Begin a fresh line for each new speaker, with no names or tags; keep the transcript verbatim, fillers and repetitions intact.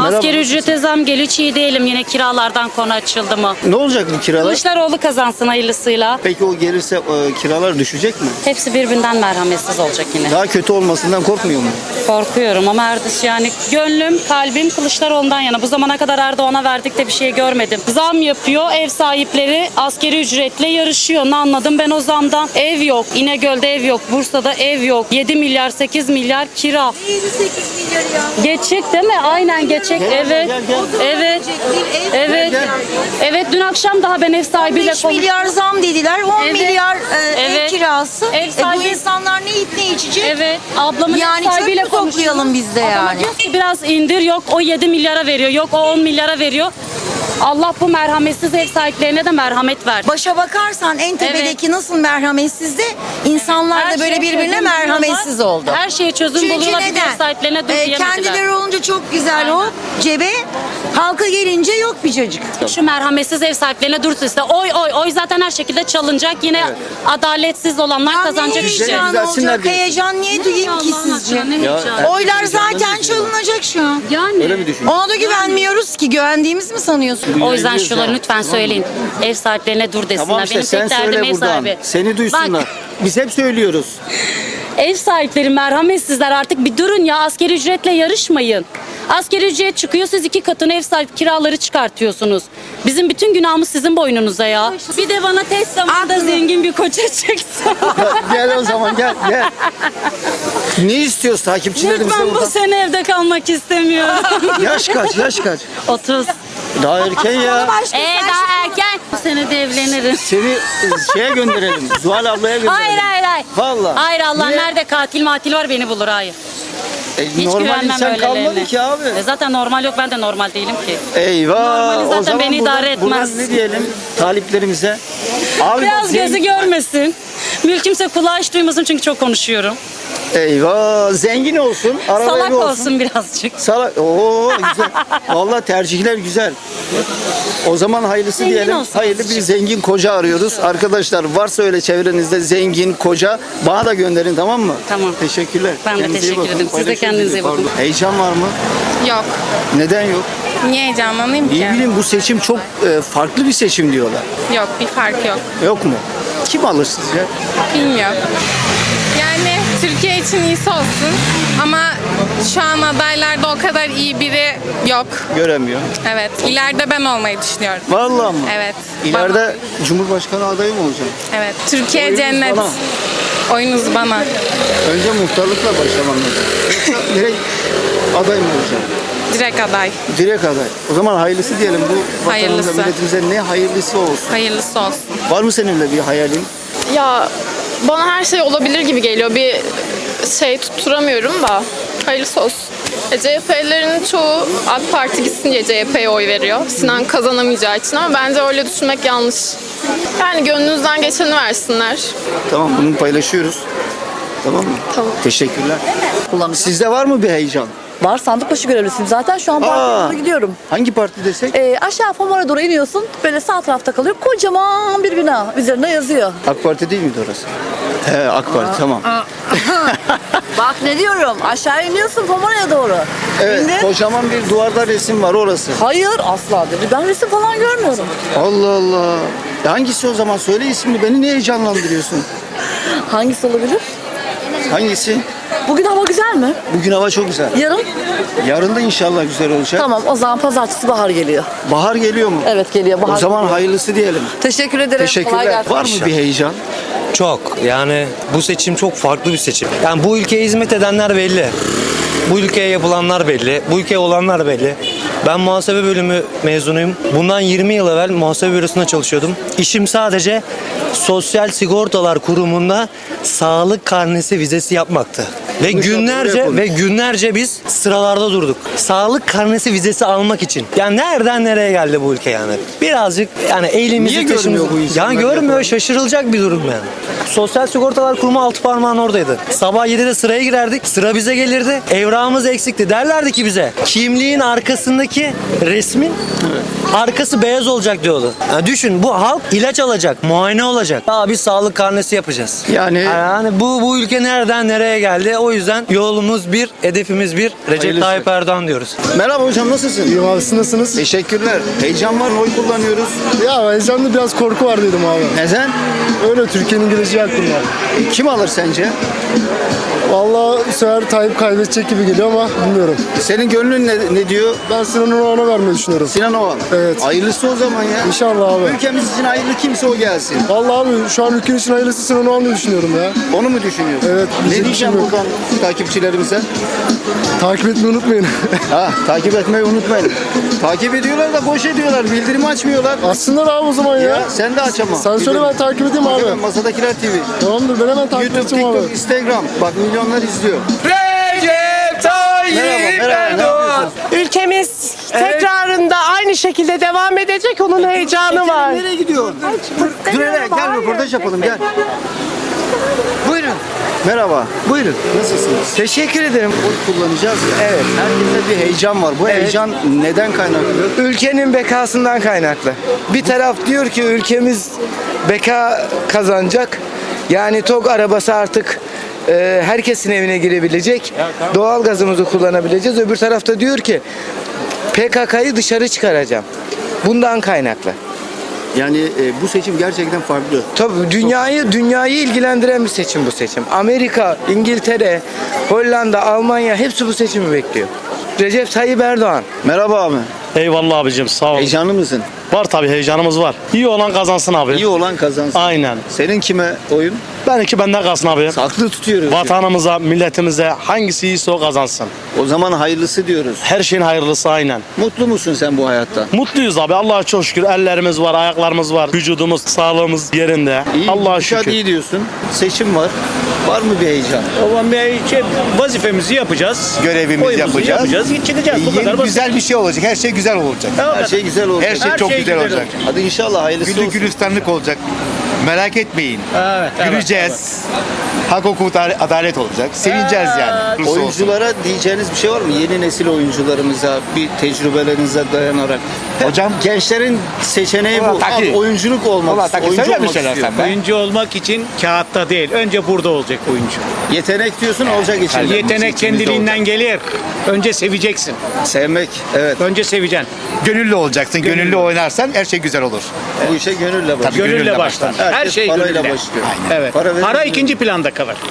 Merhaba.
Asgari ücrete zam geliyor, hiç iyi değilim. Yine kiralardan konu açıldı mı?
Ne olacak bu kiralar?
Kılıçdaroğlu kazansın hayırlısıyla.
Peki o gelirse e, kiralar düşecek mi?
Hepsi birbirinden merhametsiz olacak yine.
Daha kötü olmasından korkmuyor mu?
Korkuyorum ama Erdoğan, yani gönlüm, kalbim Kılıçdaroğlu'ndan yana. Bu zamana kadar Erdoğan'a verdik de bir şey görmedim. Zam yapıyor, ev sahipleri asgari ücretle yarışıyor. Ne anladım ben o zamdan? Ev yok, İnegöl'de ev yok, Bursa'da ev yok. yedi milyar, sekiz milyar kira.
yedi sekiz milyar ya.
Geçecek değil mi? Aynen geçecek.
Gel,
Evet.
gel, gel.
Evet.
Bir ev
Evet. Evet, dün akşam daha ben ev sahibiyle
beş
konuştum.
milyar zam dediler. on
Evet.
milyar e,
Evet.
ev kirası.
Ev
E,
sahibi-
bu insanlar ne yiyip ne içecek?
Evet. Ablamın
Yani
ev
çöp
sahibiyle
mü toplayalım
konuşuyorum.
biz de
Adama
yani?
diyor ki biraz indir, yok o yedi milyara veriyor, yok o on milyara veriyor. Allah bu merhametsiz ev sahiplerine de merhamet ver.
Başa bakarsan en tepedeki nasıl merhametsizdi? İnsanlar
Her
da böyle
şeye
birbirine
çözüm
merhametsiz
buluyorlar.
oldu.
Her şeye çözüm
Çünkü
buluyorlar. Bir de
neden?
ev sahiplerine dur
Ee,
diyemediler.
kendileri olunca çok güzel o cebe, halka gelince yok bir cacık.
Şu merhametsiz ev sahiplerine dursun işte. Oy oy oy zaten her şekilde çalınacak. Yine adaletsiz olanlar
Ya
kazanacak
ne
işte.
heyecan
düzelsinler
olacak?
diye.
Heyecan niye duyayım ki
Allah'ın
sizce?
aşkına, ne
Ya,
heyecanı.
Oylar zaten çalınacak şu an.
Yani.
Öyle mi düşünüyorsun?
Ona da güvenmiyoruz ki. Güvendiğimiz mi sanıyorsun?
O yüzden
Güveniyoruz
şunları
ya.
lütfen söyleyin. Ev sahiplerine dur desinler.
Tamam işte
Benim
sen
tek derdim
söyle
ev
buradan.
sahibi.
Seni duysunlar.
Bak,
Biz hep söylüyoruz.
ev sahipleri merhametsizler, artık bir durun ya, asgari ücretle yarışmayın. Asgari ücret çıkıyor, siz iki katını ev sahibi kiraları çıkartıyorsunuz. Bizim bütün günahımız sizin boynunuza ya. Bir de bana tez zamanda
Aklını-
zengin bir koça çıksın.
Gel o zaman gel gel. Ne istiyoruz takipçilerimize
Lütfen bu
buradan?
sene evde kalmak istemiyorum.
Yaş kaç yaş kaç?
otuz.
Daha erken ya.
Başka
Ee
sen
daha erken. Bu sene de evlenirim.
Seni e, şeye gönderelim. Zuhal ablaya gönderelim.
Hayır hayır hayır.
Vallahi.
Hayır, Allah
Niye?
nerede katil matil var beni bulur, hayır.
E,
Hiç
normal
güvenmem
insan kalmadı
öylelerine.
ki abi.
E zaten normal yok, ben de normal değilim ki.
Eyvah.
Normali zaten
o zaman
beni
buradan,
idare etmez.
Buradan ne diyelim taliplerimize? Abi
Biraz
bak,
gözü
zengin-
görmesin. Mülkümse kulağı hiç duymasın çünkü çok konuşuyorum.
Eyvah. Zengin olsun. Araba
Salak
evi
olsun birazcık.
Salak. Oo güzel. Vallahi tercihler güzel. O zaman hayırlısı
Zengin
diyelim.
olsun
Hayırlı bir
azıcık.
zengin koca arıyoruz. Arkadaşlar varsa öyle çevrenizde zengin koca bana da gönderin, tamam mı?
Tamam.
Teşekkürler.
Ben de
Kendinize iyi
teşekkür
bakın.
ederim. Siz de
Paylaşırız
kendinize
bizi.
iyi bakın.
Pardon. Heyecan var mı?
Yok.
Neden yok?
Niye heyecanlanayım ki?
İyi bilin bu seçim çok e, farklı bir seçim diyorlar.
Yok, bir fark yok.
Yok mu? Kim alır sizce?
Bilmiyorum. Yani Türkiye için iyisi olsun ama şu an adaylarda o kadar iyi biri yok.
Göremiyor.
Evet. İleride ben olmayı düşünüyorum.
Vallahi mı?
Evet.
İleride Cumhurbaşkanı adayı mı olacaksın?
Evet. Türkiye
Oyunuz
cennet.
bana.
Oyunuz bana.
Önce muhtarlıkla başlamam lazım. Yoksa direkt aday mı olacaksın?
Direkt aday.
Direkt aday. O zaman hayırlısı diyelim. Bu vatanımıza,
Hayırlısı.
milletimize ne hayırlısı olsun.
Hayırlısı olsun.
Var mı senin öyle bir hayalin?
Ya bana her şey olabilir gibi geliyor. Bir şey tutturamıyorum da. Hayırlısı olsun. E, C H P'lilerin çoğu AK Parti gitsin diye C H P'ye oy veriyor. Sinan kazanamayacağı için ama bence öyle düşünmek yanlış. Yani gönlünüzden geçeni versinler.
Tamam, bunu paylaşıyoruz. Tamam mı?
Tamam.
Teşekkürler.
Kullanıyorum.
Sizde var mı bir heyecan?
Var, sandık başı görevlisiyim zaten, şu an
Aa.
partiye doğru gidiyorum.
Hangi parti desek?
Ee, aşağı Famara doğru iniyorsun, böyle sağ tarafta kalıyor, kocaman bir bina, üzerinde yazıyor.
AK Parti değil miydi orası? He, AK Parti, tamam.
Bak ne diyorum, aşağı iniyorsun Famara'ya doğru.
Evet,
İndin.
kocaman bir duvarda resim var orası.
Hayır, asla dedi. Ben resim falan görmüyorum.
Allah Allah. E hangisi o zaman? Söyle ismini. Beni niye heyecanlandırıyorsun?
Hangisi olabilir?
Hangisi?
Bugün hava güzel mi?
Bugün hava çok güzel.
Yarın?
Yarın da inşallah güzel olacak.
Tamam, o zaman pazartesi bahar geliyor.
Bahar geliyor mu?
Evet, geliyor bahar.
O zaman
geliyor.
hayırlısı diyelim.
Teşekkür ederim. Kolay
Teşekkürler.
gelsin.
Var mı bir heyecan?
Çok. Yani bu seçim çok farklı bir seçim. Yani bu ülkeye hizmet edenler belli. Bu ülkeye yapılanlar belli. Bu ülkeye olanlar belli. Ben muhasebe bölümü mezunuyum. Bundan yirmi yıl evvel muhasebe bürosunda çalışıyordum. İşim sadece Sosyal Sigortalar Kurumu'nda sağlık karnesi vizesi yapmaktı. Ve
Konuş, oraya
günlerce
konuş.
ve günlerce biz sıralarda durduk. Sağlık karnesi vizesi almak için. Yani nereden nereye geldi bu ülke yani? Birazcık yani elimizi
Niye görmüyor
taşımızı-
bu insanlar
Yani görmüyor,
yapan?
şaşırılacak bir durum yani. Sosyal Sigortalar Kurumu altı parmağın oradaydı. Sabah yedide sıraya girerdik. Sıra bize gelirdi. Evrağımız eksikti. Derlerdi ki bize kimliğin arkasındaki resmin arkası beyaz olacak diyordu. Yani düşün, bu halk ilaç alacak, muayene olacak. Daha bir sağlık karnesi yapacağız.
Yani
Yani bu bu ülke nereden nereye geldi? O yüzden yolumuz bir, hedefimiz bir. Recep
Hayırlısı.
Tayyip Erdoğan diyoruz.
merhaba hocam, nasılsın?
İyiyim abi, siz nasılsınız?
Teşekkürler. Heyecan var mı? Oy kullanıyoruz.
Ya heyecanlı, biraz korku var dedim abi.
Neden?
Öyle, Türkiye'nin geleceği hakkında.
Kim alır sence?
Vallahi bu sefer Tayyip kaybedecek gibi geliyor ama bilmiyorum.
Senin gönlün ne, ne diyor?
Ben Sinan Oğan'a vermeyi düşünüyorum.
Sinan Oğan.
Evet.
Hayırlısı o zaman ya.
İnşallah abi.
Ülkemiz için hayırlı kimse o gelsin.
Vallahi abi şu an ülkenin için hayırlısı Sinan Oğan'ı düşünüyorum ya.
Onu mu düşünüyorsun?
Evet,
Ne
bizim
diyeceğim
için yok.
buradan takipçilerimize?
Takip etmeyi unutmayın.
Ha, takip etmeyi unutmayın. Takip ediyorlar da boş ediyorlar. Bildirimi açmıyorlar.
Aslında abi o zaman ya.
Ya sen de aç ama.
Sen söyle, ben takip edeyim
Bak
abi.
hemen Masadakiler T V.
Tamamdır, ben hemen takip
YouTube,
edeceğim
TikTok,
abi.
Instagram. Bak milyonlar izliyor.
Recep Tayyip
Merhaba, merhaba. Ne
Erdoğan.
yapıyorsun?
Ülkemiz tekrarında aynı şekilde devam edecek. Onun heyecanı var.
Nereye gidiyorsun? Dur hele, gel röportaj yapalım gel.
Buyurun.
Merhaba.
Buyurun.
Nasılsınız?
Teşekkür ederim.
Oy kullanacağız ya.
Evet.
Herkeste bir heyecan var. Bu
Evet.
heyecan neden kaynaklı?
Ülkenin bekasından kaynaklı. Bir taraf diyor ki ülkemiz beka kazanacak. Yani TOG arabası artık e, herkesin evine girebilecek. Doğal gazımızı kullanabileceğiz. Öbür tarafta diyor ki P K K'yı dışarı çıkaracağım. Bundan kaynaklı.
Yani e, bu seçim gerçekten farklı.
Tabii dünyayı dünyayı ilgilendiren bir seçim bu seçim. Amerika, İngiltere, Hollanda, Almanya hepsi bu seçimi bekliyor. Recep Tayyip Erdoğan.
Merhaba abi.
Eyvallah abicim, sağ ol.
Heyecanlı mısın?
Var tabii, heyecanımız var. İyi olan kazansın abi.
İyi olan kazansın.
Aynen.
Senin kime oyun?
Benimki benden kalsın abi.
Saklı tutuyoruz.
Vatanımıza, milletimize hangisi iyiyse o kazansın.
O zaman hayırlısı diyoruz.
Her şeyin hayırlısı aynen.
Mutlu musun sen bu hayatta?
Mutluyuz abi. Allah'a çok şükür. Ellerimiz var, ayaklarımız var. Vücudumuz, sağlığımız yerinde.
İyi,
Allah'a
gidişat
şükür.
iyi diyorsun. Seçim var. Var mı bir heyecan?
O zaman bir şey, vazifemizi yapacağız.
Görevimizi
Oyumuzu
yapacağız.
Çıkacağız. Bu
Yeni
kadar basit.
güzel bir şey olacak. Her şey güzel olacak.
Her şey güzel olacak.
Her şey
Her
çok
şey
güzel
güzel
olacak.
olacak.
Hadi inşallah hayırlısı
Güllük
olsun.
gülistanlık olacak. Merak etmeyin.
Evet, evet,
Güleceğiz. Hak, hukuk, adalet olacak. Sevineceğiz yani. Olursa olsun.
Oyunculara diyeceğiniz bir şey var mı? Yeni nesil oyuncularımıza bir tecrübelerinize dayanarak.
Hocam?
Gençlerin seçeneği bu.
Ulan taki.
Abi, oyunculuk olmak
Ulan
istiyor.
taki,
Oyuncu
söyle bir
olmak
şeyler
istiyor.
sen be.
Oyuncu olmak için kağıtta değil. Önce burada olacak oyuncu.
Yetenek diyorsun, olacak için.
Yetenek kendiliğinden gelir. Önce seveceksin.
Sevmek. Evet.
Önce seveceksin.
Gönüllü olacaksın. Gönüllü,
Gönüllü.
oynarsan her şey güzel olur.
Bu işe gönülle başlıyor.
Tabii,
Gönülle
gönülle
başlar.
başlar.
Her
Herkes
şey
parayla
gönülle.
başlıyor.
Evet.
Para
Para,
verir mi?
ikinci planda kalır.